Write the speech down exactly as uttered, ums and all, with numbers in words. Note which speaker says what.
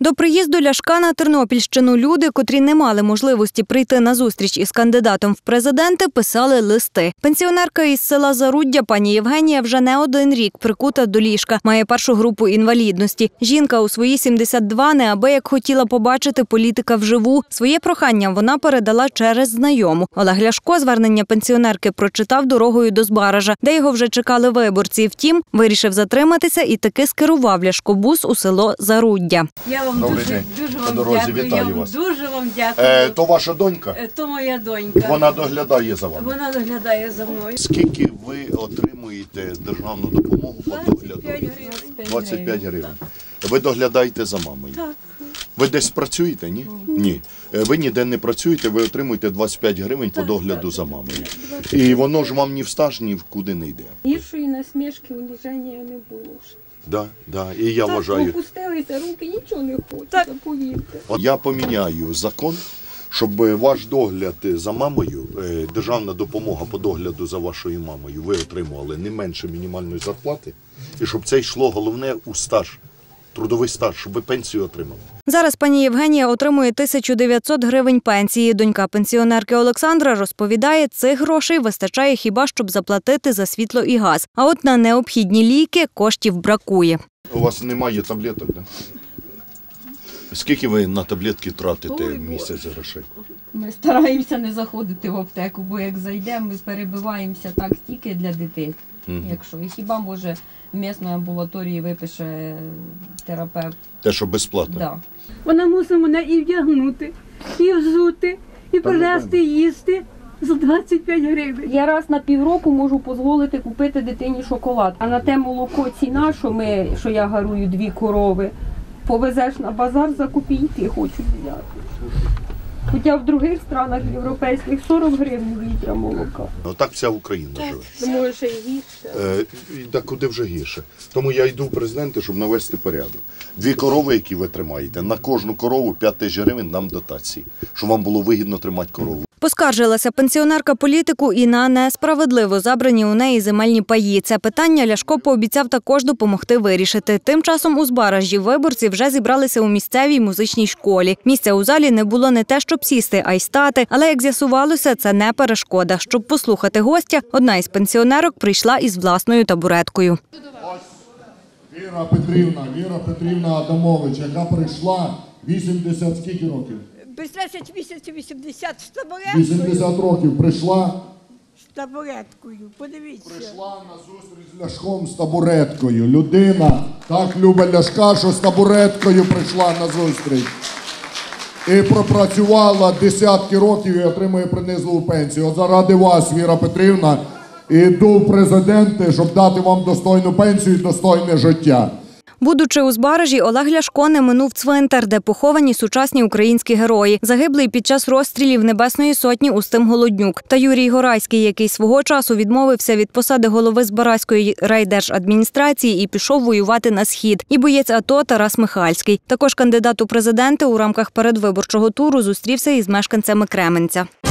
Speaker 1: До приїзду Ляшка на Тернопільщину люди, котрі не мали можливості прийти на зустріч із кандидатом в президенти, писали листи. Пенсіонерка із села Заруддя пані Євгенія вже не один рік прикута до ліжка, має першу групу інвалідності. Жінка у свої сімдесят два неабияк хотіла побачити політика вживу. Своє прохання вона передала через знайому. Олег Ляшко звернення пенсіонерки прочитав дорогою до Збаража, де його вже чекали виборці. Втім, вирішив затриматися і таки скерував Ляшкобус у село Заруддя.
Speaker 2: Я вам
Speaker 3: Добрий
Speaker 2: дуже,
Speaker 3: день.
Speaker 2: дуже
Speaker 3: По
Speaker 2: вам
Speaker 3: дорозі
Speaker 2: дякую.
Speaker 3: вітаю
Speaker 2: Я вам
Speaker 3: вас.
Speaker 2: дуже вам дякую.
Speaker 3: Е, то ваша донька?
Speaker 2: Е, То моя донька.
Speaker 3: Вона доглядає за вами.
Speaker 2: Вона доглядає за мною.
Speaker 3: Скільки ви отримуєте державну допомогу по догляду?
Speaker 2: двадцять п'ять гривень.
Speaker 3: двадцять п'ять гривень. Ви доглядаєте за мамою?
Speaker 2: Так.
Speaker 3: Ви десь працюєте, ні? Ні. Е, Ви ніде не працюєте, ви отримуєте двадцять п'ять гривень по догляду за мамою. І воно ж вам ні в стаж, ні в куди не йде.
Speaker 4: Гіршої насмішки, уніження не було вже.
Speaker 3: Да, да. І я
Speaker 4: Так,
Speaker 3: вважаю,
Speaker 4: опустилися руки, нічого не хочуть,
Speaker 2: Так.
Speaker 4: повірте.
Speaker 3: от я поміняю закон, щоб ваш догляд за мамою, е, державна допомога по догляду за вашою мамою, ви отримували не менше мінімальної зарплати, і щоб це йшло головне у стаж, трудовий стаж, щоб ви пенсію отримали.
Speaker 1: Зараз пані Євгенія отримує тисячу дев'ятсот гривень пенсії. Донька пенсіонерки Олександра розповідає, цих грошей вистачає хіба щоб заплатити за світло і газ. А от на необхідні ліки коштів бракує.
Speaker 3: У вас немає таблеток, да? Скільки ви на таблетки тратите в місяць грошей?
Speaker 4: Ми стараємося не заходити в аптеку, бо як зайдемо, ми перебиваємося так тільки для дітей.
Speaker 3: Мгм.
Speaker 4: Якщо і хіба може в місної амбулаторії випише терапевт.
Speaker 3: Те, що безплатно?
Speaker 4: Да.
Speaker 5: Вона мусить мене і вдягнути, і взути, і принести їсти за двадцять п'ять гривень.
Speaker 4: Я раз на півроку можу дозволити купити дитині шоколад. А на те молоко ціна, що, ми, що я гарую дві корови, повезеш на базар за копійки, хочуть взяти. Хоча в других странах європейських сорок гривень літра молока.
Speaker 3: Ну, так вся Україна живе.
Speaker 4: Тому що й гірше.
Speaker 3: Е, і так куди вже гірше. Тому я йду в президенти, щоб навести порядок. Дві корови, які ви тримаєте, на кожну корову п'ять тисяч гривень нам дотації, щоб вам було вигідно тримати корову.
Speaker 1: Поскаржилася пенсіонерка політику і на несправедливо забрані у неї земельні паї. Це питання Ляшко пообіцяв також допомогти вирішити. Тим часом у Збаражі виборці вже зібралися у місцевій музичній школі. Місця у залі не було не те, щоб сісти, а й стати. Але, як з'ясувалося, це не перешкода. Щоб послухати гостя, одна із пенсіонерок прийшла із власною табуреткою.
Speaker 6: Віра Петрівна, Віра Петрівна Адамович, яка прийшла вісімдесят скільки років?
Speaker 2: Без десять місяців вісімдесят з табуреткою.
Speaker 6: вісімдесят років прийшла,
Speaker 2: З табуреткою. Подивіться.
Speaker 6: прийшла на зустріч з Ляшком з табуреткою. Людина так любить Ляшка, що з табуреткою прийшла на зустріч. І пропрацювала десятки років і отримує принизливу пенсію. От заради вас, Віра Петрівна, іду в президенти, щоб дати вам достойну пенсію і достойне життя.
Speaker 1: Будучи у Збаражі, Олег Ляшко не минув цвинтар, де поховані сучасні українські герої. Загиблий під час розстрілів Небесної Сотні Устим Голоднюк та Юрій Горайський, який свого часу відмовився від посади голови Збаразької райдержадміністрації і пішов воювати на Схід. І боєць АТО Тарас Михальський. Також кандидат у президенти у рамках передвиборчого туру зустрівся із мешканцями Кременця.